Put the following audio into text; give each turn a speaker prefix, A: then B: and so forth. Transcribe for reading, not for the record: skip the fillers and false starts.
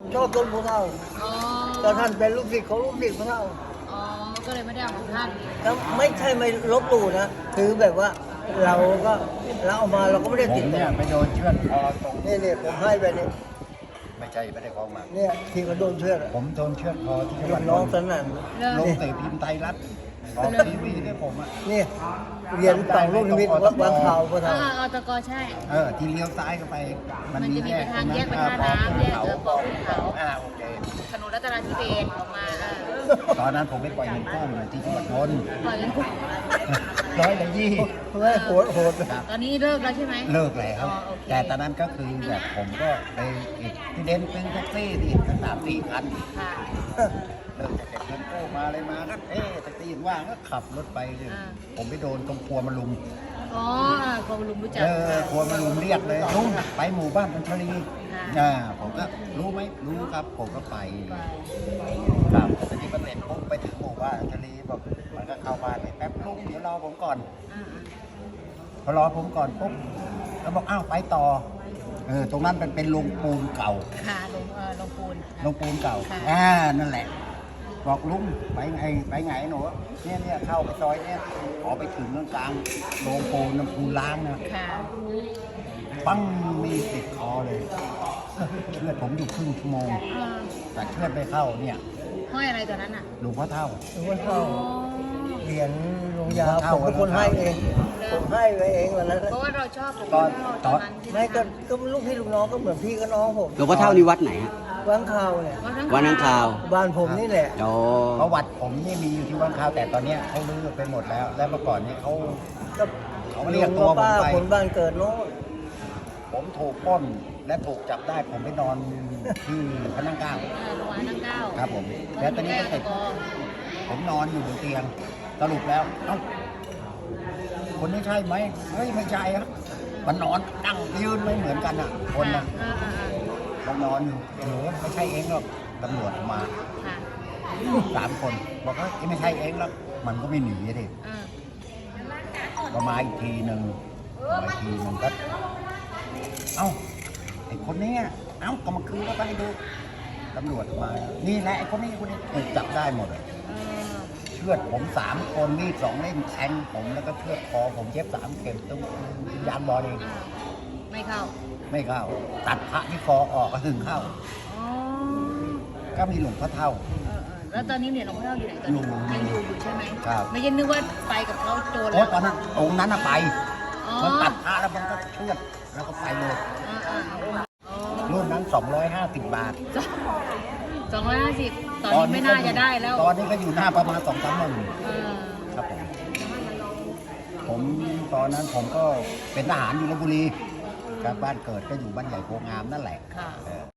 A: ชอบต้นผู้เฒ่า
B: อ๋อ
A: แต่ท่านเป็นลูกศิษย์ของลูกศิษย์ผู้เฒ่า
B: อ๋อก็เลยไม่ได้เอาของท่าน
A: แล้วไม่ใช่ไม่ลบหลู่นะคือแบบว่าเราก็เราเอามาเราก็ไม่ได้
C: ผ
A: ติด
C: มเนี่ยไปโดนเชือดคอตรง
A: นี่ผมให้ไปนี่
C: ไม่ใช่ไม่ได้ของมา
A: เนี่ยที่เขาโดนเชือด
C: ผมโดนเชือดคอที่จังห
A: ลู
C: วัด
A: ก
C: น
A: น้อง
C: นท์
A: สนั่น
C: ลงเตะพิมพ์ไทยรัฐออกทีวีด้วยผมอ่ะ
A: นี่เหรียญต่างลูกนิมิตวัดวางข่าวผู้เฒ่า
B: อตกใช่
C: ที่เลี้ยวซ้ายเข้าไป
B: มันจะมีทางแยกไปท่าน้ำแยกปอขึ้นเขา
C: โอเค
B: ถนนรัตนทิเบศออกมา
C: ตอนนั้นผมไปปล่อยเงินกู้อยู่ที่จังหวัดนนท์
B: ปล่อยกัน
C: 120
A: เฮ้ยโหดโหด
C: ครับ
B: ตอนนี้เลิกแล้วใช่ไหม
C: เลิกแล้ว
B: อ๋อโอเค
C: แต่ตอนนั้นก็คือแบบผมก็ไปอีกที่เด่นเป็นแท็กซี่ที่ตั้ง3-4 คัน
B: ค่ะ
C: เลิกจากเก็บเงินกู้มาเลยมาก็แท็กซี่ว่างก็ขับรถไปเลยผมไปโดนตรงครัวมาลุม
B: อ๋อคงลุงรู้จัก
C: ครัวมาลุมเรียกเลยลุงไปหมู่บ้านปัญชลี
B: ค่ะ
C: ผมก็รู้ไหมรู้ครับ ผมก็ไปครับแต่ทีนี้มันเสร็จปุ๊บไปถึงหมู่บ้านปัญชลีบอกมันก็เข้าบ้านไปแป๊บลุงเดี๋ยวรอผมก่อน พอรอผมก่อนปุ๊บแล้วบอกอ้าวไปต่อตรงนั้นเป็นโรงปูนเก่า
B: ค่ะลงปูน
C: โรงปูนเก่า
B: ค่ะ
C: นั่นแหละ บอกลุงไปไงหนูเนี่ยเข้าไปซอยเนี่ยขอไปถึงตรงกลางโรงปูนน้ำปูนล้างนะ
B: ค่ะ
C: ปั้งมีติดคอเลยเชือดผมอยู่ครึ่งชั่วโมงแต่เชือดไปเข้าเนี่ย
B: ห้อยอะไรตอนนั้นอ่ะ
C: หลวงพ่อเท่า
A: หลวงพ่อเฒ่าเหรียญหลวงยา
C: เฒ่า
A: ผมเป็นคนให้เองผมให้ไปเองวันนั้น
B: เพราะว่าเราชอบผม
C: ตอน
B: ตอนนั้นใช่ไหม
A: ไม่ก็ลูกพี่ลูกน้องก็เหมือนพี่กับน้องผม
D: หลวงพ่อเท่านี่วัดไหนฮะ
A: วางข่าวเนี่ย
D: วัดนังคาว
A: บ้านผมนี่แหละ
D: โอ้
C: ประวัติผมนี่มีอยู่ที่วังข้าวแต่ตอนเนี้ยเขาลื้อไปหมดแล้ว และเมื่อก่อนนี้เขา
A: ก็
C: เขาเรียกตัวผม
A: ป้า
C: ไป
A: คนบ้านเกิดโน้น
C: ผมถูกปล้นและถูกจับได้ผมไปนอนที่พระนั่งเกล้า
B: โรงพยาบาลนั่งเก้า
C: ครับผมแล้วตอนนี้ก็เสร็จผมนอนอยู่บนเตียงสรุปแล้วเอ้าคนนี้ใช่ไหมเฮ้ยไม่ใช่ครับมันนอนนั่งยืนไม่เหมือนกันอ่ะ คนนะมันนอนอยู่ไม่ใช่เองหรอกตำรวจมา
B: ค่ะ
C: 3 คนบอกว่าไม่ใช่เองแล้วมันก็ไม่หนีดิก็มาอีกทีหนึ่งก็เอ้าไอ้คนนี้เอ้าก็มาคืนก็ไปดูตำรวจมานี่แหละไอ้คนนี้ถูกจับได้หมดเลยเชือดผม3 คนมีด2 เล่มแทงผมแล้วก็เชือดคอผมเย็บ3 เข็มตรงยานบอลเอง
B: ไม่เข้า
C: ไม่เข้าตัดพระที่คอออกก็ถึงเข้า
B: อ๋อ
C: ก็มีหลวงพ่อเท่า
B: แล้วตอนนี้เนี่ยหลวงพ่อเท่าอยู่ไหนตอนนี้ยังอยู่ใช่ไหม
C: ครับ
B: ไม่ใช่นึกว่าไปกับเขาโจร
C: โอ้
B: แล้ว
C: ตอนนั้นองค์นั้นไป
B: อ๋อ
C: มันตัดพระแล้วมันก็เชือดแล้วก็ไปเลย
B: อ๋อ
C: รุ่นนั้น250 บาท
B: 250ตอนนี้ไม่น่าจะได้แล้ว
C: ตอนนี้ก็อยู่หน้าประมาณ2-3 หมื่น
B: เออ
C: ครับผมตอนนั้นผมก็เป็นทหารอยู่ลพบุรีครับบ้านเกิดก็อยู่บ้านใหญ่โพงามนั่นแหละ
B: ค่ะ